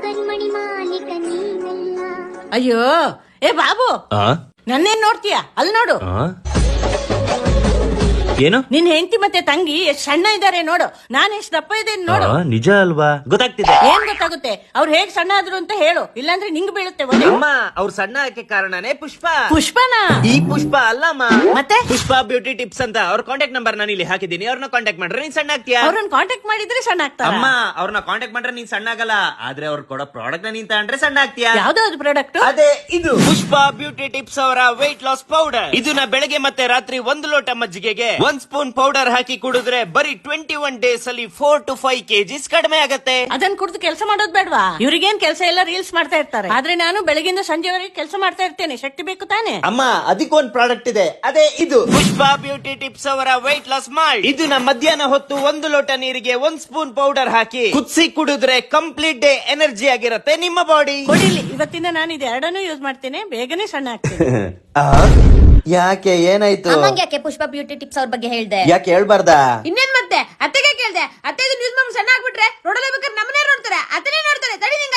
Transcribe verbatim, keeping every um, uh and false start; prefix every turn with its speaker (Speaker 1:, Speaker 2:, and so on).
Speaker 1: ಕಣ್ಮಣಿ ಮಾಲೀಕ ನೀನಲ್ಲ.
Speaker 2: ಅಯ್ಯೋ ಏ ಬಾಬು, ನನ್ನೇನ್ ನೋಡ್ತೀಯ? ಅಲ್ಲಿ ನೋಡು,
Speaker 3: ಏನು
Speaker 2: ನಿನ್ ಹೆಂಡತಿ ಮತ್ತೆ ತಂಗಿ ಎಷ್ಟ್ ಸಣ್ಣ ಇದಾರೆ ನೋಡು, ನಾನ್ ಎಷ್ಟ್ ದಪ್ಪ ಇದ್ದೇನೆ ನೋಡು.
Speaker 3: ನಿಜ ಅಲ್ವಾ? ಗೊತ್ತಾಗ್ತಿದೆ.
Speaker 2: ಏನ್ ಗೊತ್ತಾಗುತ್ತೆ? ಅವ್ರು ಹೇಗ್ ಸಣ್ಣ ಆದ್ರು ಅಂತ ಹೇಳು, ಇಲ್ಲಾಂದ್ರೆ ನಿಂಗ್ ಬೀಳುತ್ತೆ ಒಲೆ.
Speaker 3: ಅಮ್ಮ, ಅವ್ರ ಸಣ್ಣ ಆಕೆ ಕಾರಣನೇ ಪುಷ್ಪ.
Speaker 2: ಪುಷ್ಪನ?
Speaker 3: ಈ ಪುಷ್ಪ ಅಲ್ಲಮ್ಮ,
Speaker 2: ಮತ್ತೆ
Speaker 3: ಪುಷ್ಪ ಬ್ಯೂಟಿ ಟಿಪ್ಸ್ ಅಂತ ಅವ್ರ ಕಾಂಟ್ಯಾಕ್ಟ್ ನಂಬರ್ ನಾನು ಇಲ್ಲಿ ಹಾಕಿದ್ದೀನಿ. ಅವ್ರನ್ನ ಕಾಂಟ್ಯಾಕ್ಟ್ ಮಾಡ್ರೆ ನೀನ್ ಸಣ್ಣ ಆಗ್ತೀಯಾ.
Speaker 2: ಅವ್ರನ್ನ ಕಾಂಟ್ಯಾಕ್ಟ್ ಮಾಡಿದ್ರೆ ಸಣ್ಣ ಆಗ್ತಾರ?
Speaker 3: ಅಮ್ಮ, ಅವ್ರನ್ನ ಕಾಂಟ್ಯಾಕ್ಟ್ ಮಾಡ್ರೆ ನೀನ್ ಸಣ್ಣ ಆಗಲ್ಲ, ಆದ್ರೆ ಅವ್ರು ಕೊಡೋ ಪ್ರಾಡಕ್ಟ್ ನ ನೀನ್ ತಗೊಂಡ್ರೆ ಸಣ್ಣ ಆಗ್ತೀಯಾ.
Speaker 2: ಯಾವ್ದಾವ್ದು ಪ್ರಾಡಕ್ಟ್?
Speaker 3: ಅದೇ ಇದು ಪುಷ್ಪ ಬ್ಯೂಟಿ ಟಿಪ್ಸ್ ಅವರ ವೆಯ್ಟ್ ಲಾಸ್ ಪೌಡರ್. ಇದನ್ನ ಬೆಳಗ್ಗೆ ಮತ್ತೆ ರಾತ್ರಿ ಒಂದು ಲೋಟ ಮಜ್ಜಿಗೆಗೆ ಒಂದ್ ಸ್ಪೂನ್ ಪೌಡರ್ ಹಾಕಿ ಕುಡಿದ್ರೆ ಬರೀ ಟ್ವೆಂಟಿ ಒನ್ ಡೇಸ್ ಅಲ್ಲಿ ಫೋರ್ ಟು ಫೈವ್ ಕೆಜಿಸ್ ಕಡಿಮೆ ಆಗತ್ತೆ.
Speaker 2: ಅದನ್ನ ಕುಡಿದು ಕೆಲಸ ಮಾಡೋದ್ ಬೇಡವಾ? ಇವ್ರಿಗೇನ್ ಕೆಲಸ ಎಲ್ಲ ರೀಲ್ಸ್ ಮಾಡ್ತಾ ಇರ್ತಾರೆ, ಆದ್ರೆ ನಾನು ಬೆಳಗಿಂದ ಸಂಜೆವರೆಗೆ ಕೆಲಸ ಮಾಡ್ತಾ ಇರ್ತೇನೆ. ಶಕ್ತಿ ಬೇಕು ತಾನೆ?
Speaker 3: ಅಮ್ಮ, ಅದಕ್ಕೊಂದ್ ಪ್ರಾಡಕ್ಟ್ ಇದೆ, ಅದೇ ಇದು ಪುಷ್ಪ ಬ್ಯೂಟಿ ಟಿಪ್ಸ್ ಅವರ ವೆಯ್ಟ್ ಲಾಸ್ ಮಾಲ್ಟ್. ಇದನ್ನ ಮಧ್ಯಾಹ್ನ ಹೊತ್ತು ಒಂದು ಲೋಟ ನೀರಿಗೆ ಒಂದ್ ಸ್ಪೂನ್ ಪೌಡರ್ ಹಾಕಿ ಕುದಿಸಿ ಕುಡಿದ್ರೆ ಕಂಪ್ಲೀಟ್ ಡೇ ಎನರ್ಜಿ ಆಗಿರತ್ತೆ ನಿಮ್ಮ ಬಾಡಿ.
Speaker 2: ಕೊಡಿಲಿ, ಇವತ್ತಿಂದ ನಾನು ಇದು ಎರಡನ್ನೂ ಯೂಸ್ ಮಾಡ್ತೇನೆ, ಬೇಗನೆ ಸಣ್ಣ ಆಗ್ತೇನೆ.
Speaker 4: ಯಾಕೆ, ಏನಾಯ್ತು?
Speaker 1: ಅಮ್ಮಂಗೆ ಯಾಕೆ ಪುಷ್ಪ ಬ್ಯೂಟಿ ಟಿಪ್ಸ್ ಅವ್ರ ಬಗ್ಗೆ ಹೇಳ್ದೆ?
Speaker 4: ಯಾಕೆ ಹೇಳ್ಬಾರ್ದಾ?
Speaker 1: ಇನ್ನೇನ್ ಮತ್ತೆ ಅತ್ತೆಗೆ ಕೇಳ್ದೆ, ಅತ್ತೆ ನ್ಯೂಸ್ ಮಾಡಿ ಸಣ್ಣ ಆಗ್ಬಿಟ್ರೆ ನೋಡಲೇಬೇಕಾದ್ರೆ ನಮ್ಮನೇ ನೋಡ್ತಾರೆ, ಅತ್ತನೇ ನೋಡ್ತಾರೆ. ತಡಿ